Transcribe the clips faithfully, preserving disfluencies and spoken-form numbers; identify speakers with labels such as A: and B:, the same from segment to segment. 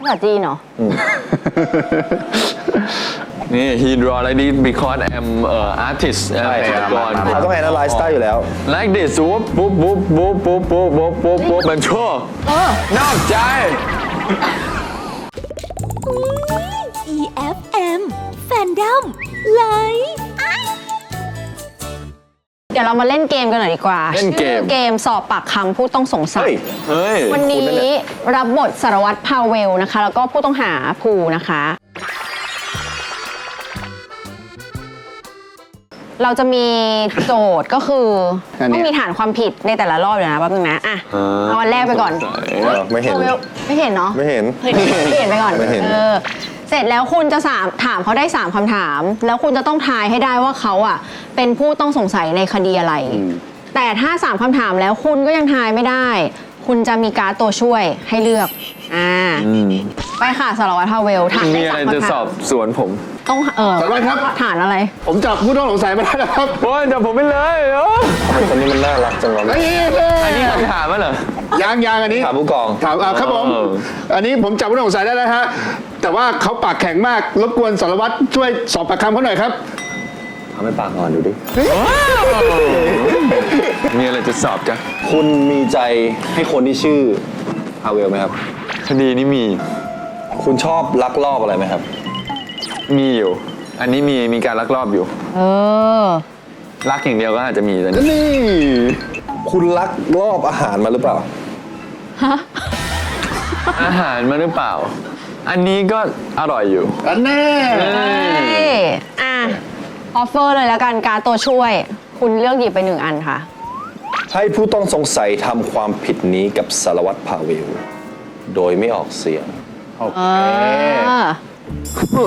A: ภาษาจีนเหรอ
B: นี่ he draw like this because I'm uh, artist
C: ใช่ครับ
B: ก่อน
C: เราต้อง analyze ได้อยู่แล้ว
B: like this ปุ๊บปุ๊บปุ๊บปุ๊บปุ๊บปุ๊บปุ๊บปุ๊บปุ๊บมันชั่ว
A: เออน
B: อกใจ
D: อี เอฟ เอ็ม Fandom Live
A: เดี๋ยวเรามาเล่นเกมกันหน่อยดีกว่า
B: เล่นเกม
A: ชื่อเกมสอบปากคำผู้ต้องสงสัย
C: เฮ้ย
B: เฮ้ย
A: วันนี้รับบทสารวัตรพาเวลนะคะ แล้วก็ผู้ต้องหาภูนะคะ เราจะมีโจทย์ก็คือต้องมีฐานความผิดในแต่ละรอบเลยนะแป๊บนึงนะอ่ะเอาอันแรกไปก่อน
C: เออไม่เห็น
A: พาเวลไม่เห็นเนาะ
C: ไม่เห็น
A: ไม่เห็นไปก่อน
C: ไม่เห็น
A: ออเสร็จแล้วคุณจะสามถามเขาได้สามคำถาม แล้วคุณจะต้องทายให้ได้ว่าเขาอ่ะเป็นผู้ต้องสงสัยในคดีอะไร แต่ถ้าสามคำถามแล้วคุณก็ยังทายไม่ได้ คุณจะมีการ์ดตัวช่วยให้เลือกอ่าไปค่ะสารวัตรพาเวลถาม
B: มี
A: ได้
B: อะไร
A: สาม
B: จะ
A: คำ
B: ส
A: ถา
B: อ
A: ม
B: บสวนผม
A: ต้องเออ
E: สารวัตรครับ
A: ฐานอะไร
E: ผมจับผู้ต้องสงสัยมาแล้วนะครับ
B: โอ้ยจับผมไปเลยเอ้ย
C: ทำไมคนนี้มันน่ารักจังวะ
E: เฮ้ย
B: อันนี้คำถามมั้ยเหรอ
E: ยางยางอันนี้
C: ถามผู้กอง
E: ถามอ่าครับผม
B: เออ
E: อันนี้ผมจับผู้ต้องสงสัยได้แล้วฮะ แต่ว่าเขาปากแข็งมาก รบกวนสารวัตรช่วยสอบปากคำเขาหน่อยครับ
C: ทำให้ปากอ่อนดูดิ
B: มีอะไรจะสอบจ้ะ
C: คุณมีใจให้คนที่ชื่อพาเวลไหมครับ
B: คดีนี้มี
C: คุณชอบลักลอบอะไรไหมครับ
B: มีอยู่ อันนี้มีมีการลักลอบอยู่
A: เออ
B: ลักอย่างเดียวก็อาจจะมีแต่
E: นี่
C: คุณลักลอบอาหารมาหรือเปล่า
B: อาหารมาหรือเปล่า อันนี้ก็อร่อยอยู่
E: อันแน่
A: เอ้ยอ่ะออฟเฟอร์เลยแล้วกันการ์ดตัวช่วย คุณเลือกหยิบไปหนึ่งอันค่ะ
C: ให้ผู้ต้องสงสัยทำความผิดนี้กับสารวัตรพาเวล โดยไม่ออกเสียง
E: โอเค
A: เออ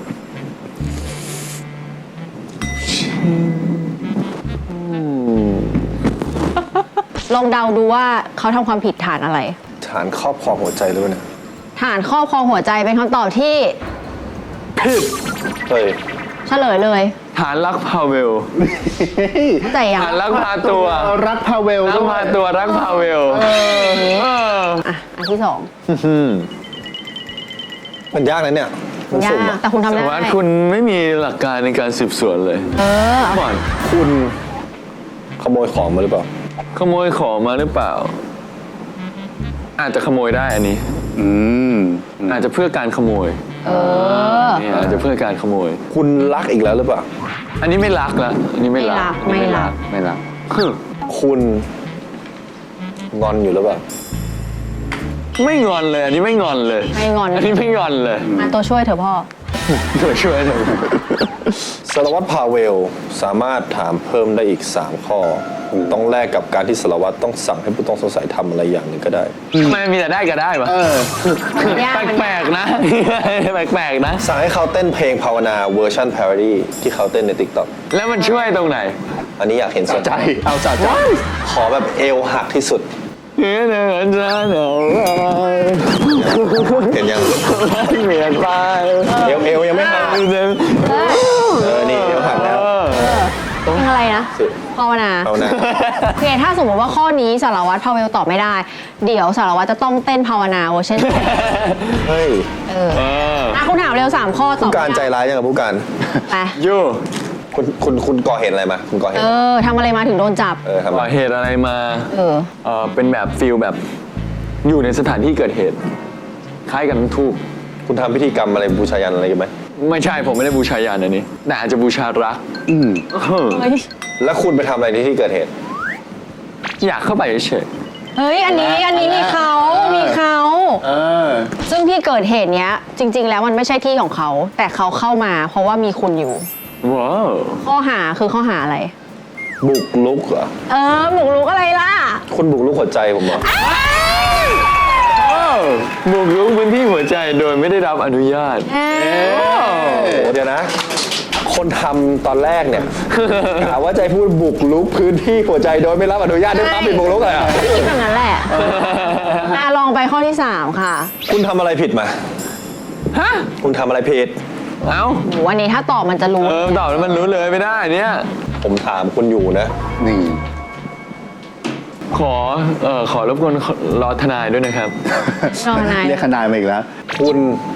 A: ลองเดาดูว่าเขาทำความผิดฐานอะไร
C: ฐานครอบครองหัวใจหรือเปล่าเนี่ย
A: ฐานครอบครองหัวใจเป็นคำตอบที่
B: ผิด
C: เฮ้ย
A: เฉลยเลย
B: ฐานลักพาเวล
A: เข้าใจยัง
B: ฐานลักพาตัว
E: รักพาเวล
B: ลักพาตัวรักพาเวลเออ
A: อ่ะ อันที่สอง
B: อืม
C: มันยากนะเนี่ย มัน
A: ยา
C: สุ่ม
A: ก
C: อะ
A: แต่คุณทำ
B: แต่
A: ได้
B: ว่าคุณไม่มีหลักการในการสืบสวนเลย
A: เออ
B: ก่อน
C: คุณขโมยของมาหรือเปล่า
B: ขโมยของมาหรือเปล่า อาจจะขโมยได้อันนี้
E: อืม
B: อาจจะเพื่อการขโมย
A: เออ
B: นี่อาจจะเพื่อการขโมย
C: คุณลักอีกแล้วหรือเปล่า
B: อันนี้ไม่รักละอันนี้ไม่รัก
A: ไม่รัก
B: ไม่รักฮึ
C: คุณงอนอยู่หรือเปล่า
B: ไม่งอนเลย อันนี้ไม่งอนเลย
A: ไม่งอน
B: อันนี้ไม่งอนเลย
A: มาตัวช่วยเถอะพ่อ
B: ช่วยช่วยหน่อย
C: สารวัตรพาเวลสามารถถามเพิ่มได้อีก สาม ข้อ ต้องแลกกับการที่สารวัตรต้องสั่งให้ผู้ต้องสงสัยทำอะไรอย่างหนึ่งก็ได้
B: ทำไมมีแต่ได้ก็ได้วะ
E: เออ
A: มันยากมันยาก
B: แปลกๆนะ แปลกๆนะ
C: สั่งให้เขาเต้นเพลงภาวนาเวอร์ชัน parody ที่เขาเต้นใน TikTok
B: แล้วมันช่วยตรงไหน
C: อันนี้อยากเห็นสน
E: ใจ เอาสะใจ
C: ขอแบบเอวหักที่สุด
B: เนื้อเนื้อจะเหนียว
C: เห็นยัง
B: เมียนไป
C: เอวเอวยังไม่หักเออ นี่เอวหักแล้ว
A: เพลงอะไรนะ
C: สิ
A: ภาวนา
C: ภาวนา
A: โอเคถ้าสมมติว่าข้อนี้สารวัตรพาเวลตอบไม่ได้ เดี๋ยวสารวัตรจะต้องเต้นภาวนาเวอร์ชัน
C: เฮ้ย
A: เออ
B: เออ
A: อ่ะคุณถามเร็วสามข้อตอบ
C: ผู้การใจ
A: ไม่ได้
C: ร้ายยังกับผู้การ
A: ไป
B: ยู
C: คุณคุณคุณก่อเหตุอะไรมา คุณก่อเห
A: เอ
C: ตุ
A: อทำอะไรมาถึงโดนจับ
C: เออทำไม
B: ก่อเหตุอะไรมา
A: เออ
B: เออเป็นแบบฟิลแบบอยู่ในสถานที่เกิดเหตุ คล้ายกับน้ำทูบ
C: คุณทำพิธีกรรมอะไรบูชายันอะไรกันไหม
B: ไม่ใช่ผมไม่ได้บูชายันอันนี้แต่อาจจะบูชารัก
E: อืม
B: เออ
A: เฮ้ย
C: แล้วคุณไปทำอะไรในที่เกิดเหตุ
B: อยากเข้าไปเฉย
A: เฮ้ย อันนี้ อันนี้มีเขามีเขา
E: เออ
A: ซึ่งที่เกิดเหตุเนี้ย จริง ๆ แล้วมันไม่ใช่ที่ของเขา แต่เขาเข้ามาเพราะว่ามีคุณอยู่
B: ๆว้าว
A: ข้อหาคือข้อหาอะไร
C: บุกลุกเหรอ
A: เออบุกรุกอะไรล่ะ
C: คุณบุกลุกหัวใจผมเหรอ
B: บุกรุกพื้นที่หัวใจโดยไม่ได้รับอนุญาต
A: เออ
C: เดี๋ยวนะ คนทำตอนแรกเนี่ย กะว่าจะพูดบุกลุกพื้นที่หัวใจโดยไม่รับอนุญาตด้วยปั๊บเป็นบุกลุกเลยอ่ะ
A: คิดแบบนั้นแหละอ่ะลองไปข้อที่สามค่ะ
C: คุณทำอะไรผิดมา
B: ฮะ
C: คุณทำอะไรผิด
B: เอ้า
A: โหอันนี้ถ้าตอบมันจะรู้
B: เออตอบแล้วมันรู้เลยไม่ได้เนี่ย
C: ผมถามคุณอยู่นะ
E: นี่
B: ขอเอ่อขอรบกวนรอทนายด้วยนะครับ
A: รอทนาย
E: เรียกทนายมาอีกแล้ว
C: คุณ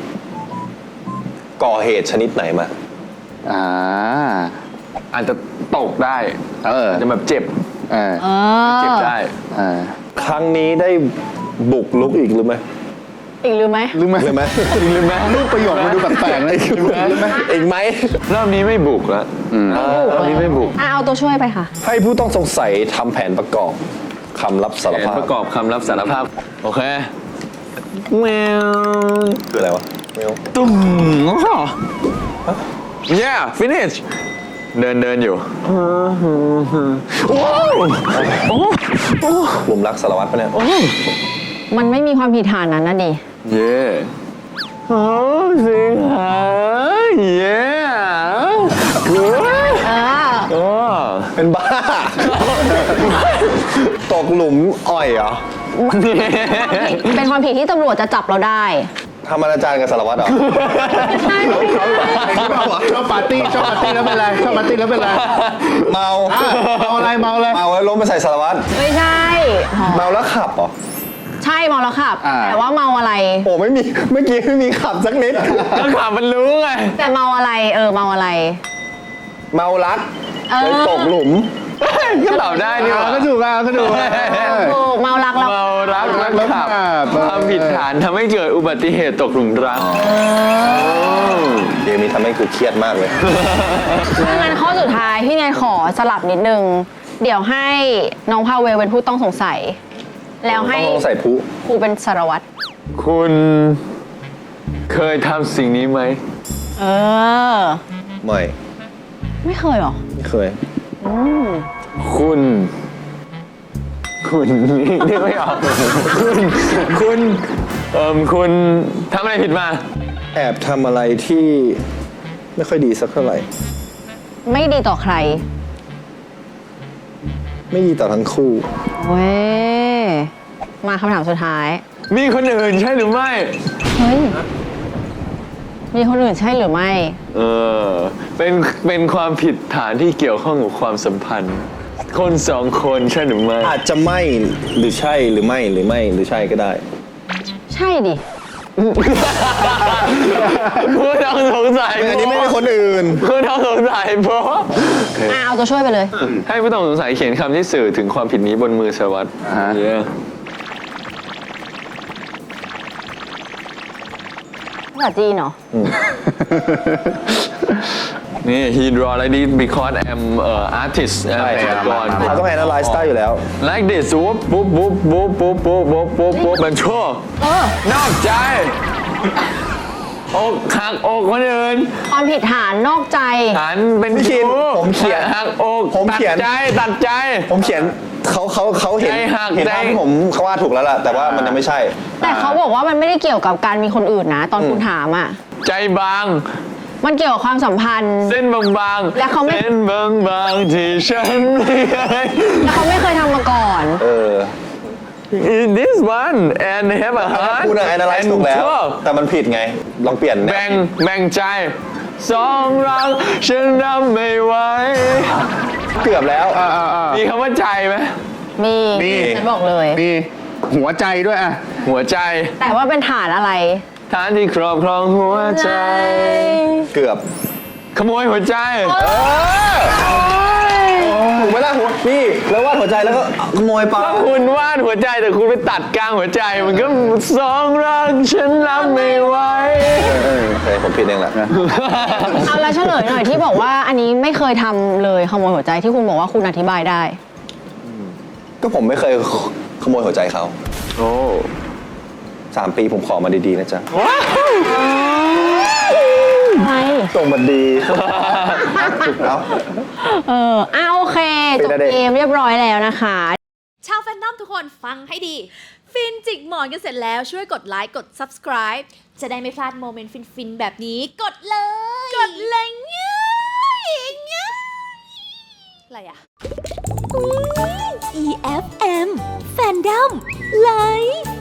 C: ก่อเหตุชนิดไหนมา
E: อ่า
B: อาจจะตกได้
E: เออ
B: อาจจะแบบเจ็บ
E: เออ
A: เออ
B: เจ็บได้
E: เออ
C: ครั้งนี้ได้บุกลุกอีกหรือไม่
A: อีกหรือไหม
E: ลืมไหม
C: หรือไหม
B: จริงหรือไม่
E: รูปประโยคมันดูแปลกๆนะลืมไหม
C: อีกไหม
B: รอบนี้ไม่บุกแล้วเออรอบนี้ไม่บุก
A: อ่ะเอาตัวช่วยไปค่ะ
C: ให้ผู้ต้องสงสัยทำแผนประกอบคำรับสาร
B: แผน
C: ภาพ
B: ประกอบคำรับสารภาพ โอเคแมว
C: คืออะไรวะไม่รู้
B: ตุ้มอ๋อ yeah finish เดินเดินอยู่ว้าวโอ้โอ้
C: หลุมรักสารวัตรปะเนี่ย
B: โอ้
A: มันไม่มีความผิดฐานนั้นนะดิ
B: เย่โอ้สิงหาเย่โอ้ย
A: เออ
B: โอ้
C: เป็นบ้า ตกหลุมอ่อยเหรอ
A: เป็นความผิดที่ตำรวจจะจับเราได้
C: ทำอนาจารกับสารวัตรเหรอ
A: ใช่ไม่ใช่
E: ชอบปาร์ตี้ชอบปาร์ตี้แล้วเป็นไรชอบปาร์ตี้แล้วเป็นไร
C: เมา
E: อ่ะเมาอะไรเมาเลย
C: เมาแล้วล้มไปใส่สารวัตร
A: ไม่ใช่อ๋อ
C: เมาแล้วขับเหรอ
A: ใช่เมาแล้วขับ
E: อ่า
A: แต่ว่าเมาอะไร
C: โอ้ไม่มี เมื่อกี้ไม่มีขับสักนิด
B: ก็ข่าวมันรู้ไง
A: แต่เมาอะไร เออ เมาอะไร
C: เมารัก
A: เออ
C: เลยตกหลุม
B: ก็ตอบได้นี่หว่า
E: อ่าก็ถูกอ่ะก็ถูกอ่ะ
A: โอ้เมารักแล้ว
B: เมารักรัก
E: แล้ว
B: ขับ
E: ขับ
B: ความผิดฐานทำให้เกิดอุบัติเหตุตกหลุมรัก
C: เกมนี้ทำให้กูเครียดมากเลย
A: ถ้างั้นข้อสุดท้ายพี่แนนขอสลับนิดนึง เดี๋ยวให้น้องพาเวลเป็นผู้ต้องสงสัย แล้วให้
C: ต้องใส่ผู้
A: ครูเป็นสารวัตร
B: คุณเคยทำสิ่งนี้ไหม
A: เออ
C: ไม่
A: ไม่เคยเหรอ
C: ไม่เคย
A: อืม
B: คุณ คุณนึกไม่ออก คุณ คุณเอ่มคุณทำอะไรผิดมา
C: แอบทำอะไรที่ไม่ค่อยดีสักเท่าไหร่
A: ไม่ดีต่อใคร
C: ไม่ดีต่อทั้งคู่
A: เว้ย มาคำถามสุดท้าย
B: มีคนอื่นใช่หรือไม่
A: เฮ้ย มีคนอื่นใช่หรือไม่
B: เออ เป็น เป็นความผิดฐานที่เกี่ยวข้องกับความสัมพันธ์ คนสองคนใช่หรือไม่
C: อาจจะไม่หรือใช่หรือไม่หรือไม่หรือใช่ก็ได้
A: ใช่ดิ
B: ผู้ต้องสงสัย
C: อันนี้ไม่มีคนอื่น
B: ผู้ต้องสงสัยเพราะ
A: อ่ะเอาตัวช่วยไปเลย
B: ให้ผู้ต้องสงสัยเขียนคำที่สื่อถึงความผิดนี้บนมือสารวัตร
E: อ่าฮะ
B: เย้
A: ภาษาจีนเหรอ
B: นี่ he draw like this because I'm uh, artist
C: ใช่
B: จิตรกร
C: เขาต้อง analyze ได้อยู่แล้ว
B: like this ปุ๊บปุ๊บปุ๊บปุ๊บปุ๊บปุ๊บปุ๊บปุ๊บปุ๊บมันชั่ว
A: เออ
B: นอกใจอกหักอกคนอื่น
A: ความผิดฐานนอกใจ
B: ฉันเป็น
C: พี่คิน
B: ชู้
C: ผมเขียน
B: หักอก
C: ผม
B: ตัด
C: เขียน
B: ใจตัดใจ
C: ผมเขียนเขาเขาเขาเห็น
B: ใจหัก
C: เห็น
B: ใจ
C: ภาพที่ผมเขาว่าถูกแล้วล่ะ แต่ว่ามันยังไม่ใช่
A: แต่เขาบอกว่ามันไม่ได้เกี่ยวกับการมีคนอื่นนะ ตอนคุณถามอ่ะ
B: ใจบาง
A: มันเกี่ยวกับความสัมพันธ์
B: เส้นบางๆ
A: และเขาไม่
B: เส้นบางๆที่ฉันไม่เคย
A: แล้วเขาไม่เคยทำมาก่อน
C: เออ
B: In this one and have a heart
C: คุณอะ analyze
B: and
C: ถูกแล้ว
B: love
C: แต่มันผิดไง ลองเปลี่ยนแนว
B: แบ่งแบ่งใจสองรักฉันรับไม่ไหว
C: เกือบแล้ว
E: อ่าอ่าอ่า
B: มีคำว่าใจไหม
A: มี
E: มี
A: ฉันบอกเลย
E: มีหัวใจด้วยอ่ะ
B: หัวใจ
A: แต่ว่าเป็นฐานอะไร
B: ฐานที่ครอบครองหัวใจ
C: เกือบ
B: ขโมยหัวใจ
C: ถูกไหมล่ะหัวนี่แล้ววาดหัวใจแล้วก็ขโมยไป
B: ถ้าคุณวาดหัวใจแต่คุณไปตัดกลางหัวใจ มันก็สองรักฉันรับไม่ไหว
C: เออโอเคผมผิดเองแหละ
A: เอาแล้วเฉลยหน่อยที่บอกว่าอันนี้ไม่เคยทำเลยขโมยหัวใจที่คุณบอกว่าคุณอธิบายได้
C: ก็ผมไม่เคยขโมยหัวใจเขา
B: โอ้
C: สามปีผมขอมาดีๆนะจ๊ะ
A: ใช่
C: ส่งมาดีแล้ว
A: เอออ่ะโอเค
C: เป็
A: จ
C: น
A: บ
C: อะไร
A: เกมเรียบร้อยแล้วนะคะ
D: ชาวแฟนนอมทุกคนฟังให้ดี ฟินจิกหมอนกันเสร็จแล้วช่วยกดไลค์กด subscribe จะได้ไม่พลาดโมเมนต์ฟินๆ แบบนี้ กดเลย กดเลยง่ายง่ายอะไรอะ อี เอฟ เอ็ม Fandom Live